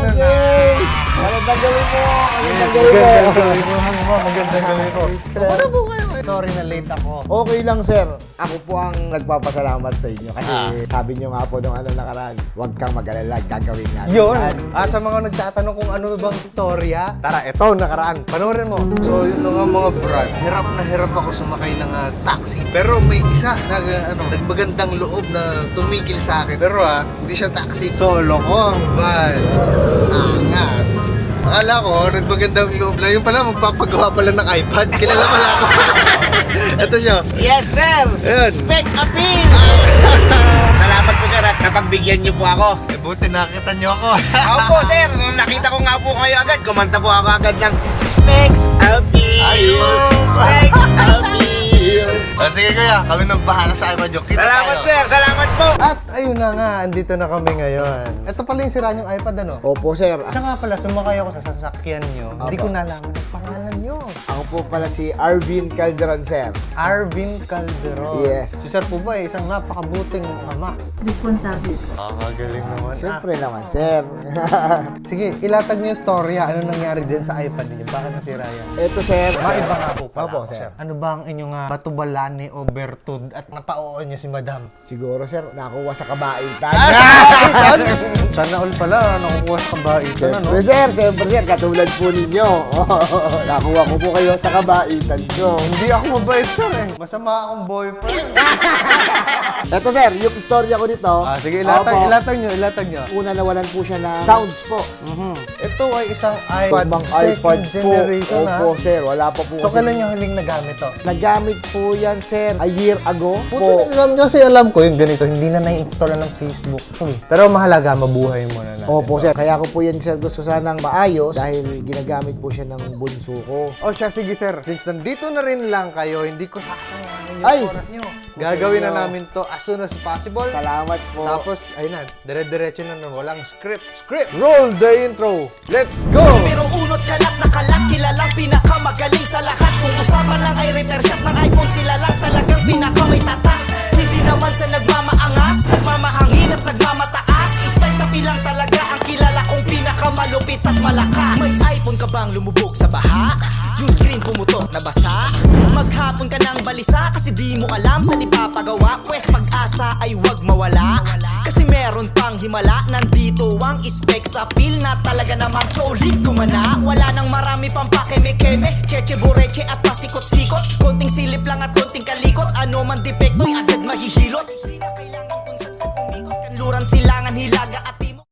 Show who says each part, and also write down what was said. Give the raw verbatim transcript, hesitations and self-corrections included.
Speaker 1: Okay! Magandang gawin mo! Magandang gawin mo!
Speaker 2: Magandang gawin mo! Magandang gawin mo! Ano po kayo? Sorry na late ako.
Speaker 1: Okay lang, sir. Ako po ang nagpapasalamat sa inyo. Kasi
Speaker 2: Ah.
Speaker 1: sabi nyo nga po nung ano nakaraan, huwag kang mag-alala, gagawin natin.
Speaker 2: Yun!
Speaker 1: yan.
Speaker 2: Ah, sa mga nagtatanong kung ano bang storya, tara, eto, nakaraan. Panoorin mo.
Speaker 3: So yun na nga mga brad, hirap na hirap ako sumakay ng ah, taxi. Pero may isa na ah, ano, nagmagandang loob na tumigil sa akin. Pero ah, hindi siya taxi. Solo ko. Van. Angas. Akala ko, nagmagandang loob na. Yung pala, magpapagawa pala ng iPad. Kilala pala ako. Ito siya.
Speaker 1: Yes, sir!
Speaker 3: Ayun.
Speaker 1: Specs appeal! Salamat po, sir, at napagbigyan niyo po ako.
Speaker 3: Eh, buti nakita niyo ako.
Speaker 1: Ako po, sir. Nung nakita ko nga po kayo agad, kumanta po ako agad ng Specs appeal!
Speaker 3: Ayun.
Speaker 1: Specs appeal!
Speaker 3: Ah, sige kuya, kami nang bahala sa iPad yung kita
Speaker 1: Salamat,
Speaker 3: tayo.
Speaker 1: sir! Salamat po!
Speaker 2: At ayun na nga, andito na kami ngayon. Ito pala yung sira yung iPad, ano?
Speaker 1: Opo, sir.
Speaker 2: Siya nga pala, sumakay ako sa sasakyan nyo. Hindi
Speaker 1: Apo.
Speaker 2: ko nalaman ang pangalan nyo.
Speaker 1: Ako po pala si Arvin Calderon, sir.
Speaker 2: Arvin Calderon.
Speaker 1: Yes.
Speaker 2: Si Sir po ba, eh, isang napakabuting ama.
Speaker 4: Responsable.
Speaker 2: Ah, magaling naman.
Speaker 1: Siyempre naman, sir.
Speaker 2: Sige, ilatag niyo yung storya. Ano nangyari dyan sa iPad niyo? Bakit nasira yan?
Speaker 1: Ito, sir.
Speaker 2: Maiba nga po pala
Speaker 1: Opo,
Speaker 2: ako,
Speaker 1: sir.
Speaker 2: Ano ba ang inyong uh, batubalani o bertud at napao niyo si Madam?
Speaker 1: Siguro, sir, nakuha sa kabaitan.
Speaker 2: Sana all pala, nakukuha sa kabaitan, ano?
Speaker 1: Siyempre, sir. Siyempre, sir. Katulad po ninyo. Nakuha ko po kayo sa kabaitan ko.
Speaker 2: Hindi ako mabait, sir, eh. Masama akong boyfriend.
Speaker 1: Ito, sir. Yung istorya ko dito.
Speaker 2: ah, sige, ilatag,
Speaker 1: Opo.
Speaker 2: ilatag niyo, ilatag niyo.
Speaker 1: Una, nawalan po siya ng sounds po.
Speaker 2: Mhm. Ito ay isang iPad,
Speaker 1: Ibang
Speaker 2: second
Speaker 1: iPad po.
Speaker 2: generation, ha?
Speaker 1: Opo, sir. Wala pa po.
Speaker 2: So,
Speaker 1: kasi-
Speaker 2: kailan niyo huling nagamit to?
Speaker 1: Nagamit po yan, sir. A year ago po.
Speaker 2: Puto, alam niyo kasi alam ko yung ganito, hindi na na-install na ng Facebook to, eh. Pero mahalaga, mabuhay mo na natin.
Speaker 1: Opo, sir. Kaya ko po yan, sir, gusto sanang maayos dahil ginagamit po siya ng bunso ko.
Speaker 2: O siya, sige sir. Since nandito na rin lang kayo, hindi ko sasayangin yung
Speaker 1: Ay!
Speaker 2: oras nyo. Gagawin na
Speaker 1: Gusto nyo.
Speaker 2: namin to as soon as possible.
Speaker 1: Salamat po.
Speaker 2: Tapos, ayun na, dire-diretso na na, walang script. Script! Roll the intro! Let's go!
Speaker 5: Pero unot kalak na kalat, kilalang pinakamagaling sa lahat. Kung usapan lang ay repair shop ng iPhone, sila lang talagang pinakamay tatak. Hindi naman sa nagmamaangas, nagmamahangin at nagmamataas. Ispay sa pilang talaga ang kilala kong pinakamalupit at malakas. May iPhone ka bang lumubog sa baha? Yung screen pumutok na basa? Maghapon ka ng balisa kasi di mo alam saan ipapagawa. Pwes pag-asa ay wag mawala, kasi meron pang himala. Nandito ang specs appeal na talaga namang solid gumana. Wala nang marami pang pakeme-keme, cheche boreche at pasikot-sikot. Konting silip lang at konting kalikot, ano man depekto'y agad mahihilot. Hindi na kailangan kung saan saan umikot. Kanluran, silangan, hilaga